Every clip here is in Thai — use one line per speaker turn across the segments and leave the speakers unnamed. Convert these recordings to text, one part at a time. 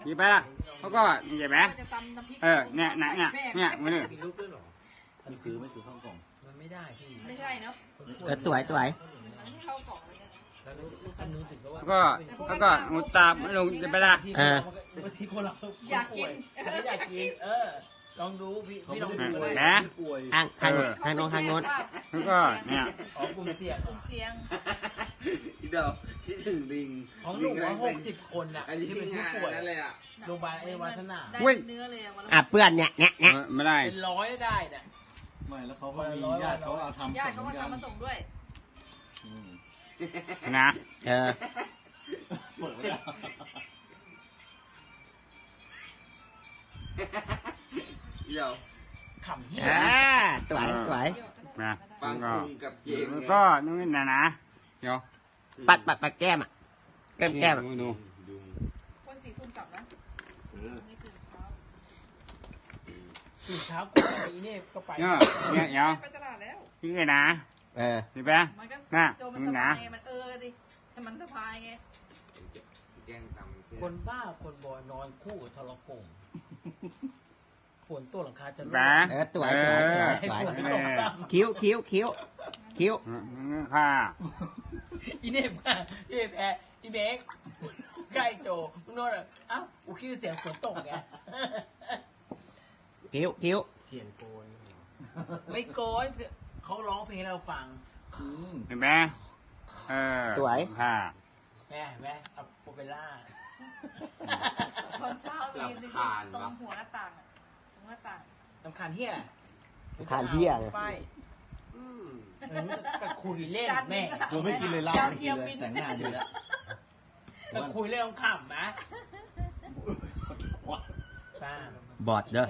หยิบไปละแล้วก็นี่เห็นไหมเนี่ยมือนี่
มีรูปด้วยเหรอไม่ซื้อข้าวกล่องมันไม่ได้พี่
ไม่ใช่เนาะ
สวย
มันเข้ากล่องเลยนะ
แล้วลูกคันนู้นถึงก็ว่า
แล้วก็งูตามลงจะไปละ
บางทีคนเรา
อยากกิน
ไม่อยากกินลองดูพี่ลองดู
นะ
ทางโน้น
แล้วก็เนี่ย
อ๋อกลุ่มเสี่ยง
กลุ่มเสียง
ที่เดียวที่ถึงลิง
ของหนูว่า60 คนอ่ะที่เป็นผู้ป่วย
นั่นเลยอ่ะ
โรงพยาบาลวัฒนา
ได้เนื้อเลยวัน
อ่ะเปื้อนเนี่ย
ไม่ได้
เป็นร้อยได้น่ะ
ไม่แล้วเขาก็มีญาติเขาเอาทำ
ญาติเขาก็ทำมาส่งด้วย
นะ
เออ
เปิดไม่ได้
เดียว
ขำเหี้ย
สวย
นะ
ฟัง
แล้วก็
คุณกับเกม
แล้วก็นู่นนะเดี๋ยว
ปัดแก้มอ่ะแก้ม
ดู
คนสี่ทุ่มกลับนะไม่ตื่นเช้า
ตื่นเช้ากูไปนี่ก็ไป
เนี่ยเดี๋ยว
ไปตลาดแล้ว
นี่ไงนะ
เออ
เห็นไหม
มันก็
น่ะ
โจมันสบายไงมันดิให้มันสบายไง
แกล้งตำ
คนบ้าคนบอยนอนคู่กับทรโขงฝนตัวหลังคาจะ
แบ
เออสวย
ให้ฝนไม่ตกซ้ำ
คิ้ว
ค่ะ
อีเนี่ยมาพี่แพ้อีเบกใกล้โจมึงโน่นเอ้ากูคิดเสียงฝนตกไง
คิ้ว
เสียงโกนไม่โกนเขาร้องเพลงให้เราฟัง
เห็นไหมค่ะ
แม่เอาโปเปล่า
ตอนเช้ามีตรงหัวหน้าต่างตรงหน้าต่าง
สำคัญเฮีย
ทานเที่ยง
ไปกับคุยเล่นแม่
กูไม่กินเลยเหล้าไม่กินเลยแต่งหน้าอยู่แล้ว
กับคุยเล่นขำนะป้า
บอดเด้อ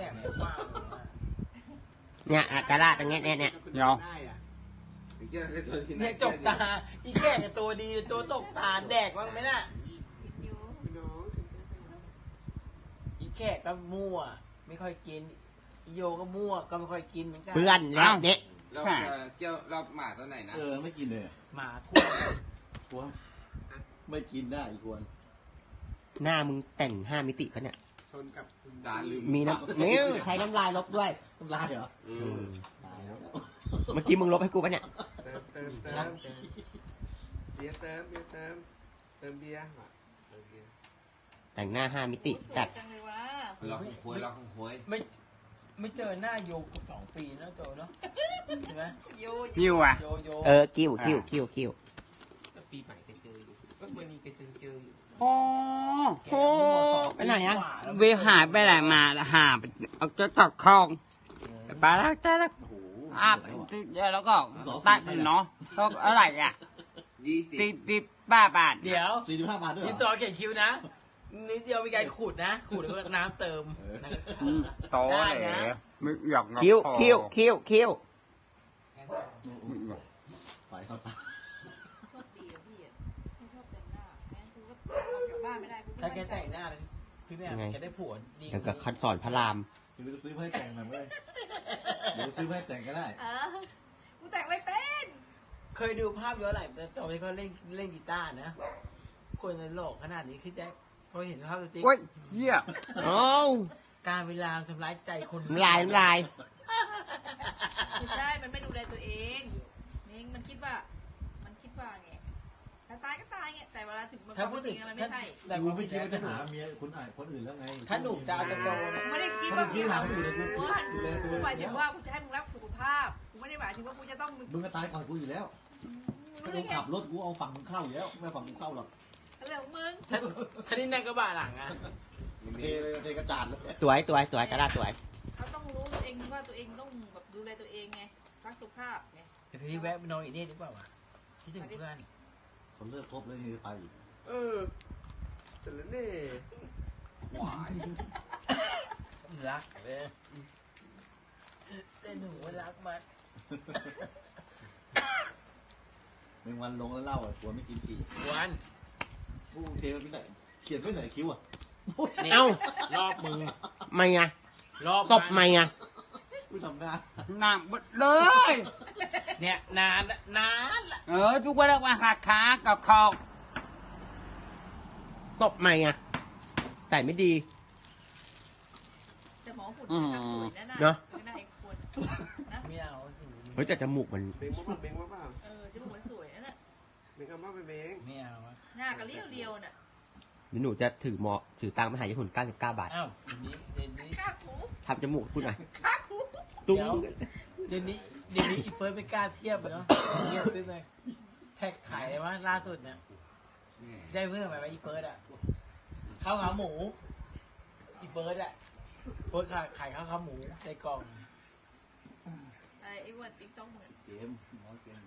เนี่ยกระดาษตรงเนี้ย
เดี๋ยว
เนี่ยจกตาอีแก่กับตัวดีตัวตกตาแดกบ้างไหมน่ะอีแก่ก็มั่วไม่ค่อยกินอีโยก็มั่วก็ไม่ค่อยกินเหมือนกัน
เปื้อนแล้วเนี่ย
เราจะเกี่ยวรอบหมาตัวไหนนะ
ไม่กินเลย
หมาทั่
ควรไม่กินได้อีกควร
หน้ามึงแต่ง5 มิติปะเนี่ย
ชนกับสารลืม
มีใช้น้ำลายลบด้วย
น้ำลายเหรอ
ตายแล้ว เมื่อกี้มึงลบให้กูปะเนี่ย
เติมเบียร์เติมเบียร์
แต่งหน้า5 มิติจัด
จังเลยวะ
เราคงคุย
ไม่เจอหน้าโยกับ2 ปีแล้วโจเนาะใช่ไหม
ยิ้วอ่ะ
โย
กิ้ว
ปีใหม่ก็เจออยู่ก็เมื่อนี้ก็เจออยู่
โอ้
แกมั่ว2
ไปไหนอะ
เวหายไปไหนมาหาไปเอาจะตัดคลองไปแล้วแต่แล้ว
โอ้โห
แล้วก็ตัดเนาะก็อะไรอ่ะ 10 บาท
เดี๋ยว
45 บาทด้วย
นี่
เหร
ต่
อ
อเขียนคิวนะนิดเดียวมีการขูดนะขูดแล้วก็น้ำเติม
โตเลยไม่อยาก
คิ้ว
ไปเข้าตา
โชคดีอะพี่ไม่ชอบแต่งหน้าแม่กูก็ออกจากบ้านไม่ได้กู
ถ้าแกแต่งหน้าเลยพี่แม่แกได้ผัวดี
อย่างกับคันสอนพระราม
เดี๋ยวซื้อให้แต่งหน่อยเว้ยเดี๋ยวซื้อให้แต่งก็ได้
กูแต่งไม่เป็น
เคยดูภาพย้อนหลังตอนที่เขาเล่นกีตาร์นะคนในโลกขนาดนี้คือแจ็คพอเห็นภาพติ๊ก
โอ้ยเหี้ย
โอ้
การเวลาทำร้ายใจคน
น้ำลาย
ไม่ใช่มันไม่ดูแลตัวเองนี่มันคิดว่าไงถ้าตายก็ตายไงแต่เวลาถึงมัน
ถ้าพูดถึง
มันไม่ใช่
แต่
กู
ว่า
ไม่
ไม่
คิด
ใช่
ว่าจะหาเมียคนอื่นแล้วไง
ถ้าหนุ่มจะเอาจะโตนะ
ไม่ได้คิดว่ากูหาผัวกูหมายถึงว่ากูจะให้มึงรักสุขภาพกูไม่ได้หมายถึงว่ากูจะต้อง
มึงก็ตายก่อนกูอยู่แล้วถ้ากูขับรถกูเอาฝั่งมึงเข้าอยู่แล้วไม่ฝั่งมึงเข้าหรอก
เรื่องของมึง
ถ้านี่นั่งกระบะหลังอ่ะ
เทเลยเทกระจาดเลย
สวยกระดาษสวย
เขาต้องรู้ตัวเองว่าตัวเองต้องแบบดูแลตัวเองไงรักสุขภาพไง
แต่ทีนี้แวะไปนอนอีกนี่ดีกว่าวะคิดถึงเพื่อน
คนเลิกครบเลยนี่ไปอีก
เสร็จแล้วนี่
รักเลยแต่หนูรักมัน
เป็นวันลงแล้วเล่าอ่ะกลัวไม่กินกี่
วัน
กูเทไว้ที่ไหนเขียนไว้ไหนคิ้วอ่ะ
เอ้าร
อบมือ
ไม่ไง
รอบ
ตบไม่ไง
กูทำงาน
หนักหมดเลย
เนี่ยนานละ
ทุกวันละวันหักขากับคอ
ตบไม่ไงใส่ไม่ดี
แต่หมอหุ่นทำสวยนะน่ะ
เนอะ
น่าอีกคนนะ
ไม่เอา
เฮ้ยแต่จมูกมัน
เบงว่าเบงว่าเปล่า
จมูกมันสวยนะน่ะ
เบงเอาว่าไปเบง
ไม่เอาอะ
หน้าก็เรียวๆน่ะ
เดี๋ยวหนูจะถือตังค์มาหาญี่ปุ่น99 บาท
อ้าวเดี๋ยวนี้
ข้าคู
ทำจมูกคุณหน่อย
ข้าคู
ตุ้ง
เดี๋ยวนี้อีเฟิร์สไม่กล้าเทียบอะเนาะเทียบขึ้นไปแท็กขายเลยว่าล่าสุดเนี่ยได้เพื่อนไหมว่าอีเฟิร์สอะข้าวขาหมูอีเฟิร์สอะเฟิร์สขายข้าวขาหมูในกล่อง
ไอ้วันติ๊กต้องเหมือน
เกมหมอเกม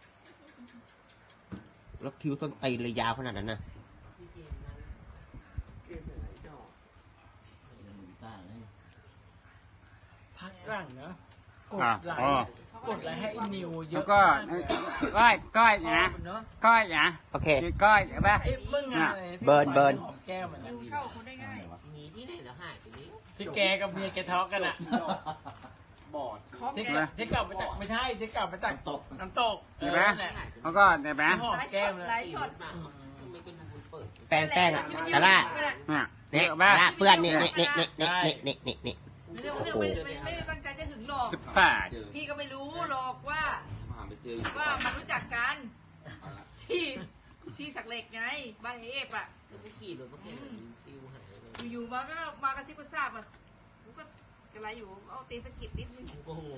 แล้วคิ้วต้นตีนเลยยาวขนาดนั้นนะ
เกมอะไรดอก
เล่นมือต้าเลย
พักหลังเนาะกด
อ่ะ
ไล
อ๋อ
ค์กดไลค์ให้อีนิวเย
แล้
อะ
วก็
มากเลยอะ
ก้อยนะ
เนาะ
ก้อยนะ
โอเค
คือก้อยใช่ปะ
ไอ้เมื่องานอะไร
เบิร์นเบิร์น
หอมแก้มมัน
ดูเข้าคนได้ง่าย
มีที่ไหนแล้วหายไปนี้
ที่แกกับเมียแกทะเลาะกันอะ
บอด
คอม
ที่
แก
ที่กลับมาจากไม่ใช่ที่กลับมาจาก
ตก
น้ำตก
เห็นไหม
นั่นแหละ
แล้วก็เห็นไหม
หอมแก้มเลย
หลายช็อต
แป้งอ่ะแต่ละ
เนี่ย
เนี่ย
เห็นปะ
ละเปื้อนนี่นี่นี่นี่นี่นี่
เรื่องไม่ได้ตั้งใจจะถึงหรอก
18
พี่ก็ไม่รู้หรอกว่ามันรู้จักกันที่สักเหล็กไงบ้านเอฟอ่ะอยู่ๆมากระซิบกระซาบอ่ะกูก็อะไรอยู่เอาตีสกิดนิดนึง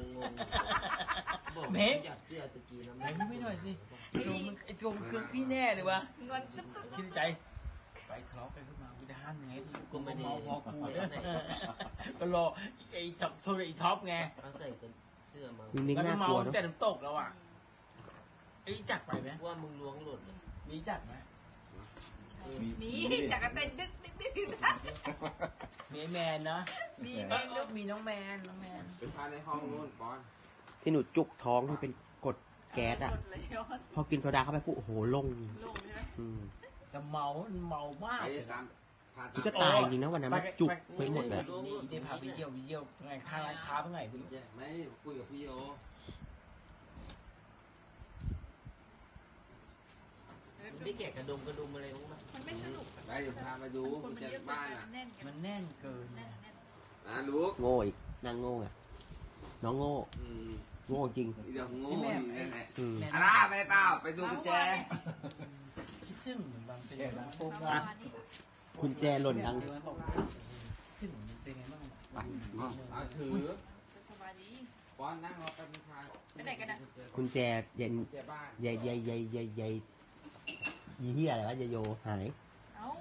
เม้งเม้งไม่หน่อยสิไอ้โจมคือพี่แน่เลยวะ
เงินชับ
คิดในใจไปทะเลาะกันขึ้นมากูจะห้ามยังไงกูไม่เมาพอกูเนี่ยก็รอไอ้ท็อปโทรไอ้ท็อปไง
นิ่ง
แล้ว
ๆ
ก็
น่า
เมาก
ลัว
ตั้
เนาะ
งแต่น้ำตกแล้วอ่ะไอ้จักไปไหม
ว่ามึงล้วงหลุด
มีจักไหม
มีจากกันเต้นดึ๊ดนะ
มีไอ้แมนนะ
มี
มี
แม่ลูก
มีน้องแมนน้องแมน
เป็นพาในห้องนู่นก่อน
ที่หนูจุกท้องที่เป็นกรดแก๊สอ่ะ พอกินโซดาเข้าไปปุ๊บโอ้โหลง
ลงใช่ไหม
อืม
จะเมามาก
ไปตามพา
กูจะตายจริงนะวันนั้นมันจุกไปหมดเลย
นี่ได้พาไปเยี่ยวไงข้างร้านค้าเมื่อไหร่คุณ
ไม่คุยกับพี่โยได้แกะกระดุมอะไรมั้งมั้ย
มันไม่สนุก
ไปเดี๋ยวพามาดู
คน
กุญ
มัน
แจ
เยอะ
บ้านอ่ะ
แน่นกัน
มันแน่นเกิน
แน่น
นะลูก
โง่อีกนางโง่อ่ะน้องโง่ โง่จริง
เดี๋ยวโง่อยู่นั่นแหละ
อืม
อะไรไปเปล่าไปดูกุญแจ
คิดถึงเหมือนบางเป็นบางโปร
ประ
งา
มาณนี้
คุณแจหล่นดัง
ขึ้นเป็นไงบ้าง
เอาถือ
สบายดี
ป้อนนั่งรอแป๊บนึงค่ะ
ไปไหนกันอ่ะ
คุณแจเย็น
กุญแจบ้าน
ใยยี่เหี้ยอะไรวะยายโยหาย
เอ้า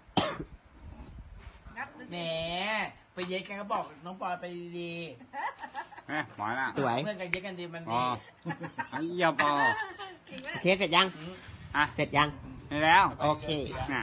งับ
แหมไปเย็ดกันก็บอกน้องปอยไปดี
หมอละ
สวย
เพื่อนกันเย็ดกันดีมัน
อ๋
ดี
อไอ้ยาปอ
จริงไหม
โอเคเสร็จยัง
อ่ะ
เสร็จยัง
นี่แล้ว
โอเค
น่ะ